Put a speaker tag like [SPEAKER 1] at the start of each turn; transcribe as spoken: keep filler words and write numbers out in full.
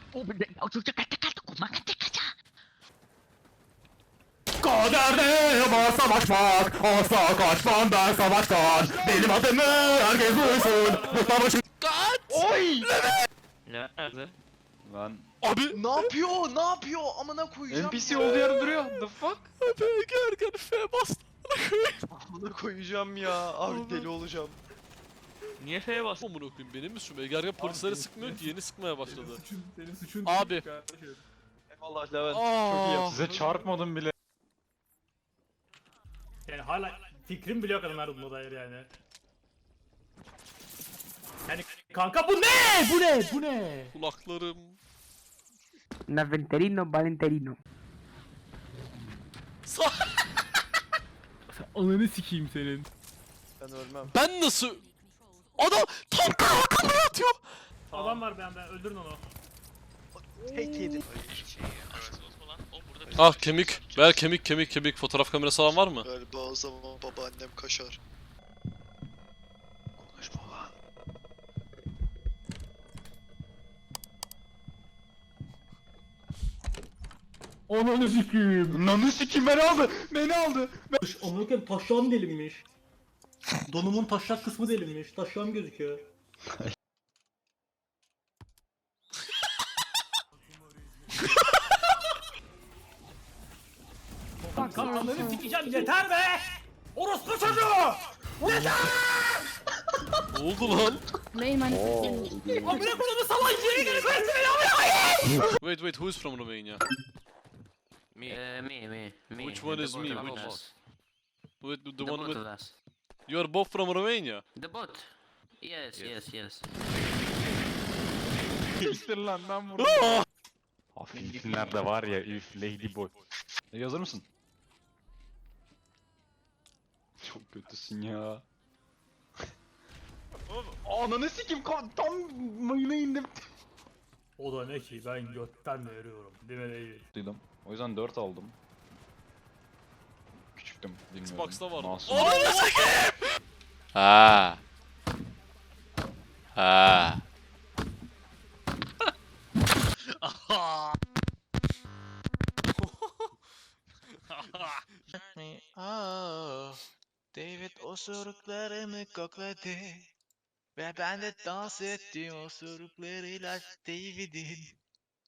[SPEAKER 1] Kaderde var savaşmak, asla kaçmam ben savaştan. Benim adımı herkes duysun. Bu savaşın...
[SPEAKER 2] Kaç!
[SPEAKER 3] Oy!
[SPEAKER 2] Nerede?
[SPEAKER 1] Lan
[SPEAKER 2] Abi!
[SPEAKER 3] Ne yapıyor? Ne yapıyor? Amına koyacağım
[SPEAKER 1] N P C
[SPEAKER 3] ya.
[SPEAKER 1] olduğu yerde duruyor. The fuck?
[SPEAKER 2] Abi Ergen F bastı.
[SPEAKER 3] Amına koyacağım ya. Abi deli olacağım.
[SPEAKER 2] Niye F'ye bastın? Amına koyayım benim mi suçum? Ergen polisleri sıkmıyor ki yeni sıkmaya başladı.
[SPEAKER 4] Suçun, senin suçun
[SPEAKER 2] Abi.
[SPEAKER 4] değil kardeşim.
[SPEAKER 3] Eyvallah Levent.
[SPEAKER 2] Aa.
[SPEAKER 3] Çok iyi yaptın.
[SPEAKER 1] Size çarpmadım bile.
[SPEAKER 4] Yani hala fikrim bile yok adam her buna dair yani. Yani kanka bu ne? Bu ne? Bu ne?
[SPEAKER 2] Kulaklarım.
[SPEAKER 5] Naventerino Valenterino.
[SPEAKER 2] Sa
[SPEAKER 4] Ananı sikeyim senin.
[SPEAKER 3] Ben ölmem.
[SPEAKER 2] ben nasıl? Adam tankın arkamdan atıyor.
[SPEAKER 4] Adam var ben ben öldürün onu.
[SPEAKER 3] Tek yedi.
[SPEAKER 2] Ah kemik. Ver kemik kemik kemik. Fotoğraf kamerası falan var mı?
[SPEAKER 6] Galiba o zaman babaannem kaşar. Konuşma lan.
[SPEAKER 4] Ananı sikeyim.
[SPEAKER 1] Nanı sikim beni aldı. Beni aldı.
[SPEAKER 4] Amına koyayım taşağım delinmiş. Donumun taşak kısmı delinmiş. Taşağım gözüküyor. Kanka ananı sikeceğim yeter be! Orospu çocuğu!
[SPEAKER 2] Ne oldu lan?
[SPEAKER 5] Main man.
[SPEAKER 4] Amına koyduğum salak yere gelip beni
[SPEAKER 2] Wait wait who is from Romania?
[SPEAKER 7] Me, uh, me, me, me.
[SPEAKER 2] Which one
[SPEAKER 7] The
[SPEAKER 2] is
[SPEAKER 7] both
[SPEAKER 2] me?
[SPEAKER 7] of
[SPEAKER 2] Which-
[SPEAKER 7] us.
[SPEAKER 2] Wait, the,
[SPEAKER 7] The
[SPEAKER 2] one
[SPEAKER 7] both
[SPEAKER 2] with...
[SPEAKER 7] of us.
[SPEAKER 2] You are both from Romania?
[SPEAKER 7] The bot. Yes, yes, yes.
[SPEAKER 1] İstir lan ben vurdum. Hafifler de var ya üf ladyboy. E, hazır mısın? Çok kötüsün ya. Ananı sikim tam mayına indim.
[SPEAKER 4] O da ne ki ben götten veriyorum. Değil mi değil?
[SPEAKER 1] Duydum. O yüzden dört aldım. Küçüktüm bilmiyorum.
[SPEAKER 2] Xbox'ta vardı.
[SPEAKER 1] Masum.
[SPEAKER 2] Ananı sikeyim! Ha. Ha.
[SPEAKER 6] Aa, David osuruklarımı kokladı. Ve ben de dans ettim osuruklarıyla David'in.